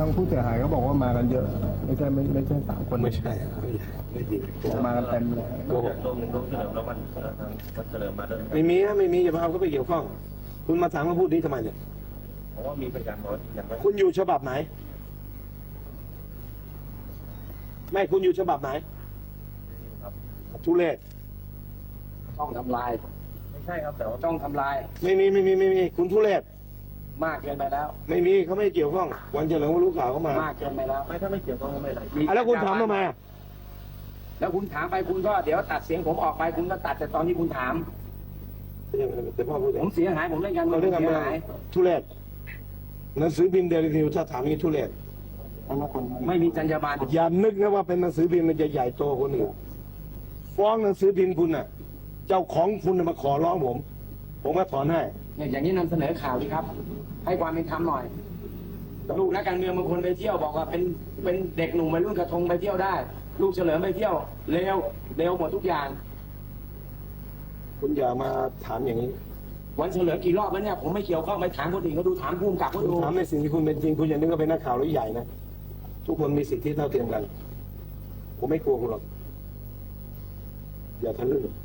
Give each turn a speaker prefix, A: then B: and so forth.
A: างผู้เสียหายเขาบอกว่ามากันเยอะไม่ใช่3 คน
B: ไม่ใช่ไม่จริง
A: มากันเต็มเลย
B: โกหก
C: ลงเฉลิมแล้วมันเฉลิมมาด้วย
B: ไม่มีนะไม่มีอย่าพาเขาไปเกี่ยวข้องคุณมาถามมาพูดนี้ทำไมเนี่ย
C: เพราะว่ามีพยานบอกอย่างไร
B: คุณอยู่ฉบับไหนไม่คุณอยู่ฉบับไหน
C: ครับ
B: ทุเรศ
D: ต้องทำลาย
C: ไม่ใช่ครับแต่ว่า
D: ต้องทำลาย
B: ไม่มีคุณทุเรศ
D: มากเกินไปแล้ว
B: ไม่มีเขาไม่เกี่ยวข้องวันเฉลิมเขารู้ข่าวเขามาม
D: ากเกินไปแล้ว
C: ไม่ถ้าไม่เกี่ยวก็ไม่เป็นไร
B: อ่ะแล้วคุณถามทำไมอ่ะ
D: แล้วคุณถามไปคุณก็เดี๋ยวตัดเสียงผมออกไปคุณก็ตัดแต่ตอนที่คุณถาม
B: แต่พ่อพูด
D: ผมเสียหายผมเล่นการเมื
B: เรา
D: อง
B: เรื่อง
D: เสี
B: การ
D: ย
B: เมือง
D: หาย
B: ทุเรศหนังสือพิมพ์เดลินิวถ้าถามอย่างนี้ทุเรศ
D: ไม่มีจรรยาบรรณ
B: อย่านึกนะว่าเป็นหนังสือพิมพ์มันจะใหญ่โตคนอื่นฟ้องหนังสือพิมพ์คุณน่ะ เจ้าของคุณน่ะมาขอร้องผมก็ถอนให้
D: เนี่ยอย่างนี้นำเสนอข่าวดีครับ ให้ความเป็นธรรมหน่อย ลูกนักการเมืองบางคนไปเที่ยวบอกว่าเป็นเด็กหนุ่มวัยรุ่นกระทงไปเที่ยวได้ ลูกเฉลิมไปเที่ยวเร็วหมดทุกอย่าง
B: คุณอย่ามาถามอย่างนี้
D: วันเฉลิมกี่รอบแล้วเนี่ยผมไม่เกี่ยวข้องไปถามคนอื่นเขาดูถามภูมิกับเขา
B: คุณ
D: ดู
B: ถามในสิ่งที่คุณเป็นจริงคุณอย่านึกว่าเป็นนักข่าวหรือใหญ่นะทุกคนมีสิทธิเท่าเทียมกัน ผมไม่กลัวคุณหรอกอย่าทะลึ่ง